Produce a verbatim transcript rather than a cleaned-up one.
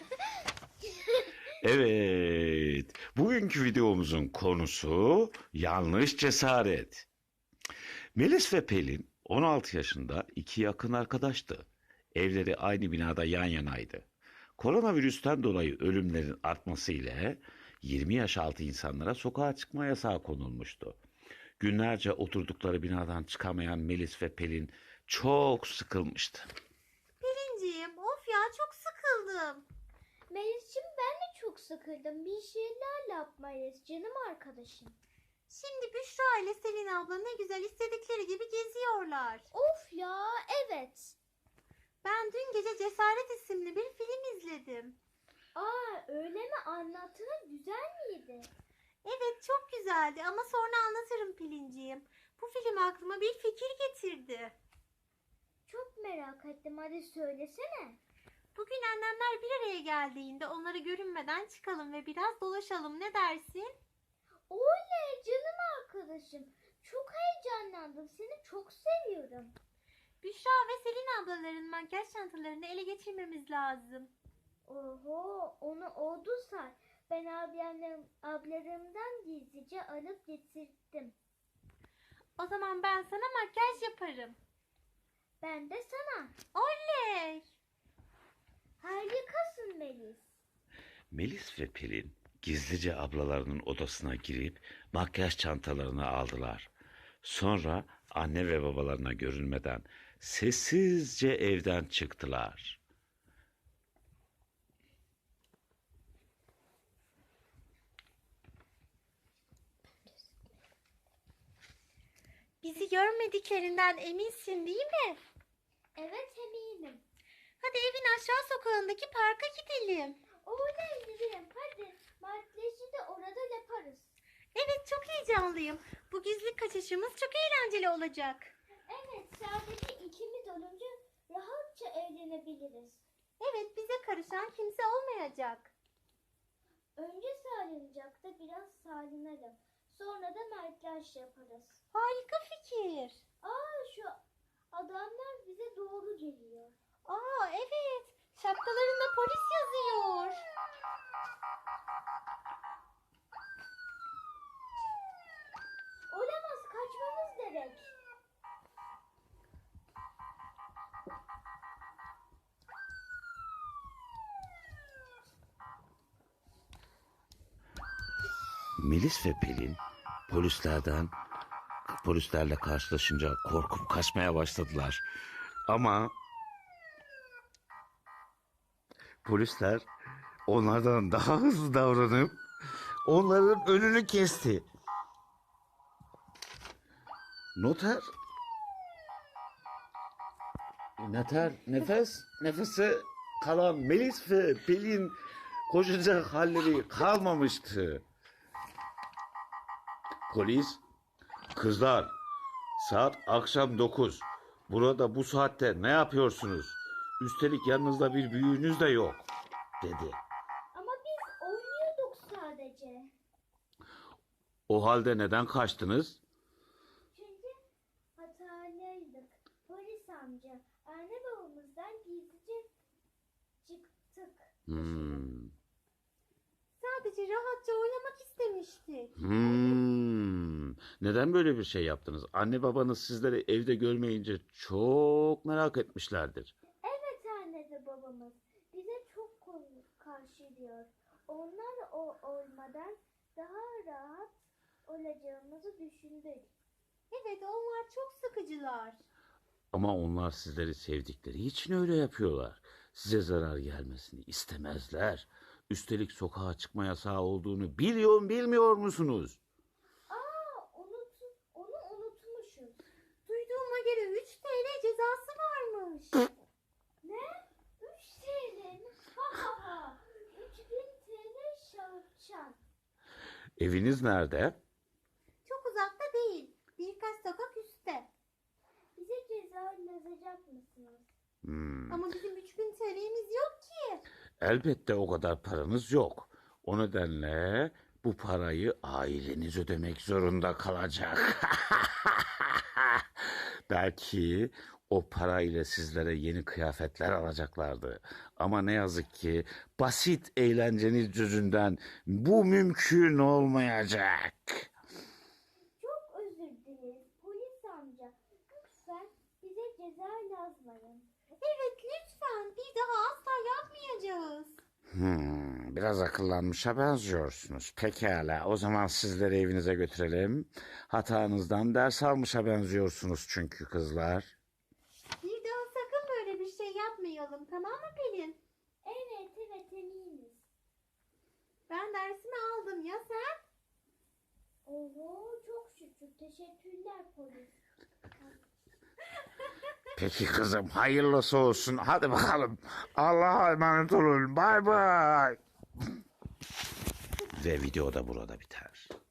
Evet, bugünkü videomuzun konusu yanlış cesaret. Melis ve Pelin on altı yaşında iki yakın arkadaştı. Evleri aynı binada yan yanaydı. Koronavirüsten dolayı ölümlerin artması ile yirmi yaş altı insanlara sokağa çıkma yasağı konulmuştu. Günlerce oturdukları binadan çıkamayan Melis ve Pelin çok sıkılmıştı. Pelinciğim, of ya çok sıkıldım. Melis'ciğim ben de çok sıkıldım. Bir şeyler yapmayız canım arkadaşım. Şimdi Büşra ile Selin abla ne güzel istedikleri gibi geziyorlar. Of ya evet. Ben dün gece Cesaret isimli bir film izledim. Aa öyle mi, anlattığına güzel miydi? Evet çok güzeldi ama sonra anlatırım Pelinciğim. Bu film aklıma bir fikir getirdi. Çok merak ettim, hadi söylesene. Bugün annemler bir araya geldiğinde onları görünmeden çıkalım ve biraz dolaşalım, ne dersin? Oley canım arkadaşım. Çok heyecanlandım, seni çok seviyorum. Büşra ve Selin ablaların makyaj çantalarını ele geçirmemiz lazım. Oho, onu oldu say. Ben ablamlarım, ablarımdan gizlice alıp getirdim. O zaman ben sana makyaj yaparım. Ben de sana. Oley! Harikasın Melis. Melis ve Pelin gizlice ablalarının odasına girip makyaj çantalarını aldılar. Sonra anne ve babalarına görünmeden sessizce evden çıktılar. Bizi görmediklerinden eminsin değil mi? Evet eminim. Hadi evin aşağı sokağındaki parka gidelim. Oley gidelim hadi. Makyajı da orada yaparız. Evet çok heyecanlıyım. Bu gizli kaçışımız çok eğlenceli olacak. Evet sadece ikimiz olunca rahatça eğlenebiliriz. Evet bize karışan kimse olmayacak. Önce salıncakta biraz salınalım. Sonra da makyaj yaparız. Harika fikir. Aa şu adamlar bize doğru geliyor. Aa evet. Şapkalarında polis yazıyor. Olamaz, kaçmamız gerek. Melis ve Pelin polislerden polislerle karşılaşınca korkup kaçmaya başladılar. Ama polisler onlardan daha hızlı davranıp onların önünü kesti. Noter Noter nefes nefese kalan Melis ve Pelin koşacak halleri kalmamıştı. Polis, kızlar, saat akşam dokuz. Burada bu saatte ne yapıyorsunuz? Üstelik yanınızda bir büyüğünüz de yok, dedi. Ama biz oynuyorduk sadece. O halde neden kaçtınız? Çünkü hatalıydık. Polis amca, anne babamızdan gizlice çıktık. Hmm. Sadece rahatça oynamak istemiştik. Hmm. Neden böyle bir şey yaptınız? Anne babanız sizleri evde görmeyince çok merak etmişlerdir. Evet anne ve babamız bize çok karşılıyor. Onlar o olmadan daha rahat olacağımızı düşündük. Evet onlar çok sıkıcılar. Ama onlar sizleri sevdikleri için öyle yapıyorlar. Size zarar gelmesini istemezler. Üstelik sokağa çıkma yasağı olduğunu biliyor bilmiyor musunuz? Aa unut, onu unutmuşuz. Duyduğuma göre üç T L cezası varmış. Ne? üç T L mi? Ha ha ha. üç bin T L şarçan. Eviniz nerede? Çok uzakta değil. Birkaç sokak üstte. Bize ceza yazacak mısınız? Hmm. Ama bizim üç bin T L'miz yok ki. Elbette o kadar paranız yok. O nedenle bu parayı aileniz ödemek zorunda kalacak. Belki o parayla sizlere yeni kıyafetler alacaklardı. Ama ne yazık ki basit eğlenceniz yüzünden bu mümkün olmayacak. Çok özür dileriz polis amca. Lütfen bize ceza yazmayın. Evet lütfen bir daha asla yapmayacağız. Hmm, biraz akıllanmışa benziyorsunuz. Pekala, o zaman sizleri evinize götürelim. Hatanızdan ders almışa benziyorsunuz çünkü kızlar. Bir daha sakın böyle bir şey yapmayalım, tamam mı Pelin? Evet evet eminiz. Ben dersimi aldım, ya sen? Oho çok şükür. Teşekkürler polis. Peki kızım, hayırlısı olsun. Hadi bakalım. Allah'a emanet olun. Bay bay. Ve video da burada biter.